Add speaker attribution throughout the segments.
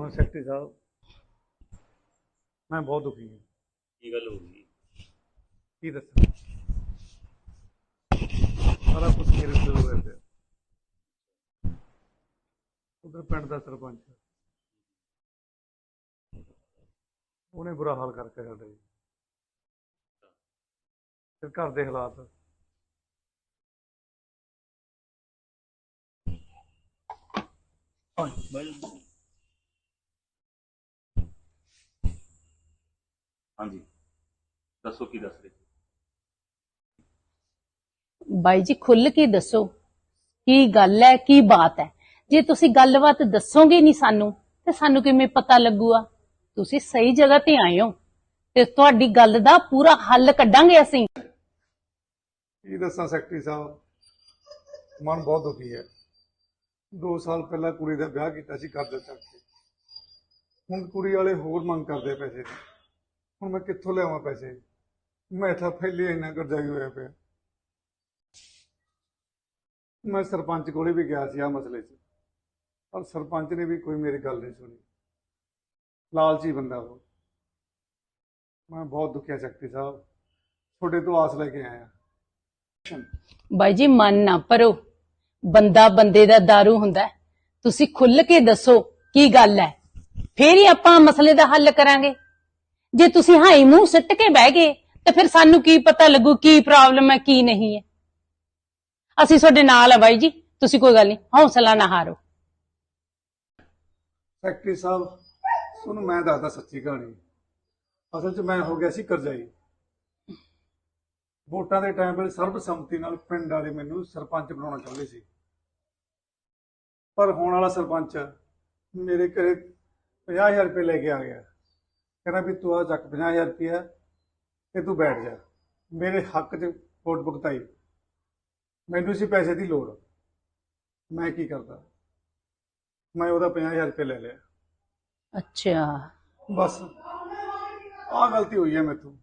Speaker 1: Secretary ਸਾਹਿਬ, ਮੈਂ ਬਹੁਤ ਦੁਖੀ ਹਾਂ।
Speaker 2: ਕੀ ਗੱਲ ਹੋ ਗਈ?
Speaker 1: ਕੀ ਦੱਸਾਂ, ਸਾਰਾ ਕੁਝ ਮੇਰੇ ਉੱਤੇ ਹੋਇਆ ਪਿਆ। ਉਧਰ ਪਿੰਡ ਦਾ ਸਰਪੰਚ, ਉਹਨੇ ਬੁਰਾ ਹਾਲ ਕਰਕੇ ਸਾਡਾ ਜੀ। ਫਿਰ ਘਰ ਦੇ ਹਾਲਾਤ,
Speaker 2: ਹਾਂਜੀ ਦੱਸੋ ਕੀ ਦੱਸ ਰਹੇ?
Speaker 3: ਬਾਈ ਜੀ खुल के दसो की गल है, की बात है। जे तुसी गलबात दसोगे नहीं सानू ते सानू किवें पता लगूगा? तुसी सही जगह ते आए हो ते तुहाडी गल दा पूरा हल कड्डांगे असीं।
Speaker 1: ਕੀ ਦੱਸਾਂ ਸੈਕਟਰੀ ਸਾਹਿਬ, ਮਨ ਬਹੁਤ ਦੁਖੀ ਹੈ। 2 ਸਾਲ ਪਹਿਲਾਂ ਕੁੜੀ ਦਾ ਵਿਆਹ ਕੀਤਾ ਸੀ ਕਰਜ਼ਾ ਚੱਕ ਕੇ। ਹੁਣ ਕੁੜੀ ਵਾਲੇ ਹੋਰ ਮੰਗ ਕਰਦੇ ਪੈਸੇ ਦੀ। ਹੁਣ ਮੈਂ ਕਿੱਥੋਂ ਲਿਆਵਾਂ ਪੈਸੇ? ਮੈਂ ਤਾਂ ਪਹਿਲੇ ਇੰਨਾ ਕਰਜ਼ਾਈ ਹੋਇਆ ਪਿਆ। ਮੈਂ ਸਰਪੰਚ ਕੋਲੇ ਵੀ ਗਿਆ ਸੀ ਆ ਮਸਲੇ 'ਚ, ਪਰ ਸਰਪੰਚ ਨੇ ਵੀ ਕੋਈ ਮੇਰੀ ਗੱਲ ਨਹੀਂ ਸੁਣੀ। ਲਾਲਚੀ ਬੰਦਾ ਉਹ। ਮੈਂ ਬਹੁਤ ਦੁਖਿਆ ਸੈਕਟਰੀ ਸਾਹਿਬ, ਤੁਹਾਡੇ ਤੋਂ ਆਸ ਲੈ ਕੇ ਆਇਆ।
Speaker 3: ਬਾਈ ਜੀ मन ना भरो, बंदा बंदे दा दारू हुंदा है। तुसी खुल के दसो की गल है, फिर ही आपां मसले दा हल करांगे। जे तुसी हाई मूंह सिट के बह गए ते फिर सानू की पता लगू की प्रॉब्लम है की नहीं है। असीं तुहाडे नाल आ बाई जी, तुसी कोई गल नहीं, हौसला ना हारो।
Speaker 1: ਸੈਕਟਰੀ ਸਾਹਿਬ, ਤੁਹਾਨੂੰ ਮੈਂ ਦੱਸਦਾ ਸੱਚੀ ਕਹਾਣੀ। ਅਸਲ 'ਚ ਮੈਂ ਹੋ ਗਿਆ ਸੀ ਕਰਜ਼ਾਈ। ਵੋਟਾਂ ਦੇ ਟਾਈਮ ਵੇਲੇ ਸਰਬਸੰਮਤੀ ਨਾਲ ਪਿੰਡ ਵਾਲੇ ਮੈਨੂੰ ਸਰਪੰਚ ਬਣਾਉਣਾ ਚਾਹੁੰਦੇ ਸੀ, ਪਰ ਹੋਣ ਵਾਲਾ ਸਰਪੰਚ ਮੇਰੇ ਘਰੇ 50,000 ਰੁਪਏ ਲੈ ਕੇ ਆ ਗਿਆ। ਕਹਿੰਦਾ ਵੀ ਤੂੰ ਆ ਚੱਕ 50,000 ਰੁਪਇਆ ਤੇ ਤੂੰ ਬੈਠ ਜਾ। ਮੇਰੇ ਹੱਕ 'ਚ ਵੋਟ ਭੁਗਤਾਈ। ਮੈਨੂੰ ਸੀ ਪੈਸੇ ਦੀ ਲੋੜ, ਮੈਂ ਕੀ ਕਰਦਾ, ਮੈਂ ਉਹਦਾ 50,000 ਰੁਪਏ ਲੈ ਲਿਆ।
Speaker 3: अच्छा
Speaker 1: ਬਸ ਆਹ ਗਲਤੀ ਹੋਈ ਹੈ ਮੈਥੋਂ।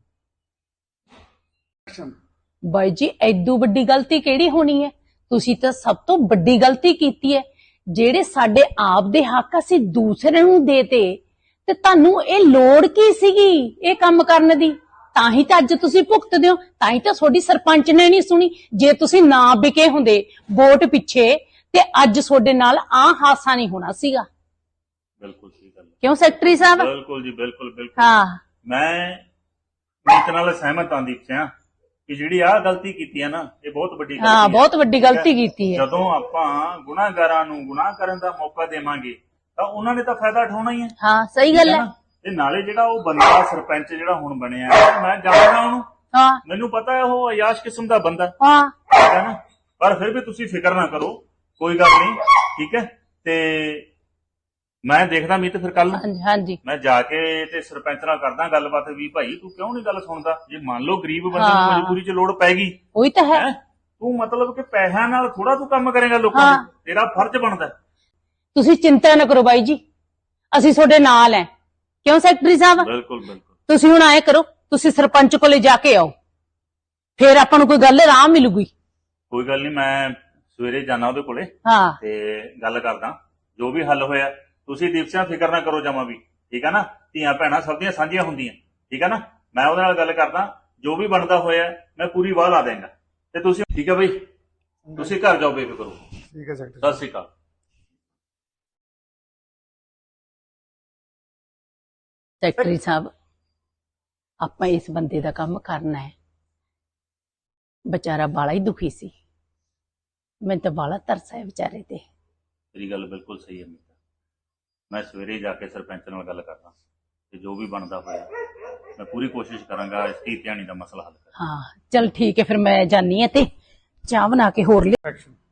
Speaker 3: ਬਾਈ ਜੀ ਐਦੂ ਵੱਡੀ ਗਲਤੀ ਕਿਹੜੀ ਹੋਣੀ ਹੈ? ਤੁਸੀਂ ਤਾਂ ਸਭ ਤੋਂ ਵੱਡੀ ਗਲਤੀ ਕੀਤੀ ਹੈ। ਜਿਹੜੇ ਸਾਡੇ ਆਪ ਦੇ ਹੱਕ ਅਸੀਂ ਦੂਸਰੇ ਨੂੰ ਦੇਤੇ ਤੇ ਤੁਹਾਨੂੰ ਇਹ ਲੋੜ ਕੀ ਸੀਗੀ ਇਹ ਕੰਮ ਕਰਨ ਦੀ? ਤਾਂ ਹੀ ਤਾਂ ਅੱਜ ਤੁਸੀਂ ਭੁਗਤਦੇ ਹੋ, ਤਾਂ ਹੀ ਤਾਂ ਤੁਹਾਡੀ ਸਰਪੰਚ ਨੇ ਨਹੀਂ ਸੁਣੀ। ਜੇ ਤੁਸੀਂ ਨਾ ਵਿਕੇ ਹੁੰਦੇ ਵੋਟ ਪਿੱਛੇ ਤੇ ਅੱਜ ਤੁਹਾਡੇ ਨਾਲ ਆਹ ਹਾਸਾ ਨਹੀਂ ਹੋਣਾ ਸੀਗਾ।
Speaker 2: ਬਿਲਕੁਲ ਸਹੀ ਗੱਲ।
Speaker 3: ਕਿਉਂ ਸੈਕਟਰੀ ਸਾਹਿਬ?
Speaker 2: ਬਿਲकुल ਜੀ, ਬਿਲकुल ਬਿਲकुल।
Speaker 3: ਹਾਂ,
Speaker 2: ਮੈਂ ਨੀਤ ਨਾਲ ਸਹਿਮਤ ਹਾਂ ਦੀਪ ਸਿੰਘ ਕਿ ਜਿਹੜੀ ਆਹ ਗਲਤੀ ਕੀਤੀ ਹੈ ਨਾ, ਇਹ ਬਹੁਤ ਵੱਡੀ ਗਲਤੀ
Speaker 3: ਹਾਂ
Speaker 2: ਹੈ।
Speaker 3: ਬਹੁਤ ਵੱਡੀ ਗਲਤੀ ਕੀਤੀ ਹੈ।
Speaker 2: ਜਦੋਂ ਆਪਾਂ ਗੁਨਾਹਗਾਰਾਂ ਨੂੰ ਗੁਨਾਹ ਕਰਨ ਦਾ ਮੌਕਾ ਦੇਵਾਂਗੇ ਤਾਂ ਉਹਨਾਂ ਨੇ ਤਾਂ ਫਾਇਦਾ ਉਠਾਉਣਾ ਹੀ ਹੈ।
Speaker 3: ਹਾਂ ਸਹੀ ਗੱਲ ਹੈ।
Speaker 2: ਤੇ ਨਾਲੇ ਜਿਹੜਾ ਉਹ ਬੰਦਾ ਸਰਪੰਚ ਜਿਹੜਾ ਹੁਣ ਬਣਿਆ, ਮੈਂ ਜਾਣਦਾ ਉਹਨੂੰ,
Speaker 3: ਹਾਂ
Speaker 2: ਮੈਨੂੰ ਪਤਾ ਹੈ ਉਹ ਅਯਾਸ਼ ਕਿਸਮ ਦਾ ਬੰਦਾ,
Speaker 3: ਹਾਂ
Speaker 2: ਠੀਕ ਹੈ ਨਾ। ਪਰ ਫਿਰ ਵੀ ਤੁਸੀਂ ਫਿਕਰ ਨਾ ਕਰੋ, ਕੋਈ ਗੱਲ ਨਹੀਂ, ਠੀਕ ਹੈ। ਤੇ ਮੈਂ ਦੇਖਦਾ ਮੀਤ ਫਿਰ ਕੱਲ ਨੂੰ
Speaker 3: ਹਾਂਜੀ ਹਾਂਜੀ
Speaker 2: ਮੈਂ ਜਾ ਕੇ ਤੇ ਸਰਪੰਚ ਨਾਲ ਕਰਦਾ ਗੱਲਬਾਤ ਵੀ ਭਾਈ ਤੂੰ ਕਿਉਂ ਨਹੀਂ ਗੱਲ ਸੁਣਦਾ? ਜੇ ਮੰਨ ਲਓ ਗਰੀਬ ਬੰਦੇ ਨੂੰ ਮਜਬੂਰੀ 'ਚ ਲੋੜ ਪੈ ਗਈ,
Speaker 3: ਉਹੀ ਤਾਂ ਹੈ।
Speaker 2: ਤੂੰ ਮਤਲਬ ਕਿ ਪੈਸਿਆਂ ਨਾਲ ਥੋੜਾ ਤੂੰ ਕੰਮ ਕਰੇਗਾ ਲੋਕਾਂ ਦਾ, ਤੇਰਾ ਫਰਜ਼ ਬਣਦਾ।
Speaker 3: ਤੁਸੀਂ ਚਿੰਤਾ ਨਾ ਕਰੋ ਬਾਈ ਜੀ, ਅਸੀਂ ਤੁਹਾਡੇ ਨਾਲ ਹੈ। ਕਿਉਂ ਸੈਕਟਰੀ ਸਾਹਿਬ?
Speaker 2: ਬਿਲਕੁਲ ਬਿਲकुल।
Speaker 3: ਤੁਸੀਂ ਹੁਣ ਆਏ ਕਰੋ, ਤੁਸੀਂ ਸਰਪੰਚ ਕੋਲੇ ਜਾ ਕੇ ਆਓ, ਫਿਰ ਆਪਾਂ ਨੂੰ ਕੋਈ ਗੱਲ ਆਰਾਮ ਮਿਲੂਗੀ।
Speaker 2: ਕੋਈ ਗੱਲ ਨਹੀਂ, ਮੈਂ ਸਵੇਰੇ ਜਾਣਾ ਉਹਦੇ ਕੋਲੇ
Speaker 3: ਹਾਂ
Speaker 2: ਤੇ ਗੱਲ ਕਰਦਾ, ਜੋ ਵੀ ਹੱਲ ਹੋਇਆ। ਤੁਸੀਂ ਦੀਪ ਸਿੰਘ ਫਿਕਰ ਨਾ ਕਰੋ ਜਮਾ ਵੀ, ਠੀਕ ਹੈ ਨਾ। ਧੀਆਂ ਭੈਣਾਂ ਸਭ ਦੀਆਂ ਸਾਂਝੀਆਂ ਹੁੰਦੀਆਂ, ਠੀਕ ਹੈ ਨਾ। ਮੈਂ ਉਹਦੇ ਨਾਲ ਗੱਲ ਕਰਦਾ, ਜੋ ਵੀ ਬਣਦਾ ਹੋਇਆ ਮੈਂ ਪੂਰੀ ਵਾਹ ਲਾ ਦੇਵਾਂਗਾ। ਤੇ ਤੁਸੀਂ ਠੀਕ ਹੈ ਬਈ, ਤੁਸੀਂ ਘਰ ਜਾਓ ਬੇਫਿਕਰ ਹੋ।
Speaker 1: ਠੀਕ ਹੈ ਸੈਕਟਰੀ
Speaker 2: ਸਤਿ ਸ਼੍ਰੀ ਅਕਾਲ।
Speaker 3: ਸੈਕਟਰੀ ਸਾਹਿਬ, ਆਪਾਂ ਇਸ ਬੰਦੇ ਦਾ ਕੰਮ ਕਰਨਾ ਹੈ। ਵਿਚਾਰਾ ਬਾਲਾ ਹੀ ਦੁਖੀ ਸੀ, ਮੈਨੂੰ ਤਾਂ ਬਾਲਾ ਤਰਸ ਹੈ ਵਿਚਾਰੇ ਤੇ।
Speaker 2: ਤੇਰੀ ਗੱਲ ਬਿਲਕੁਲ ਸਹੀ ਹੈ ਮੀਤਾ। ਮੈਂ ਸਵੇਰੇ ਜਾ ਕੇ ਸਰਪੰਚ ਨਾਲ ਗੱਲ ਕਰਦਾ ਤੇ ਜੋ ਵੀ ਬਣਦਾ ਹੋਇਆ ਮੈਂ ਪੂਰੀ ਕੋਸ਼ਿਸ਼ ਕਰਾਂਗਾ ਇਸ ਧੀ ਧਿਆਣੀ ਦਾ ਮਸਲਾ ਹੱਲ ਕਰਨ।
Speaker 3: ਹਾਂ ਚਲ ਠੀਕ ਹੈ, ਫਿਰ ਮੈਂ ਜਾਨੀ ਹਾਂ ਤੇ ਚਾਹ ਬਣਾ ਕੇ ਹੋਰ ਲਿਆ।
Speaker 1: ਐਕਸ਼ਨ।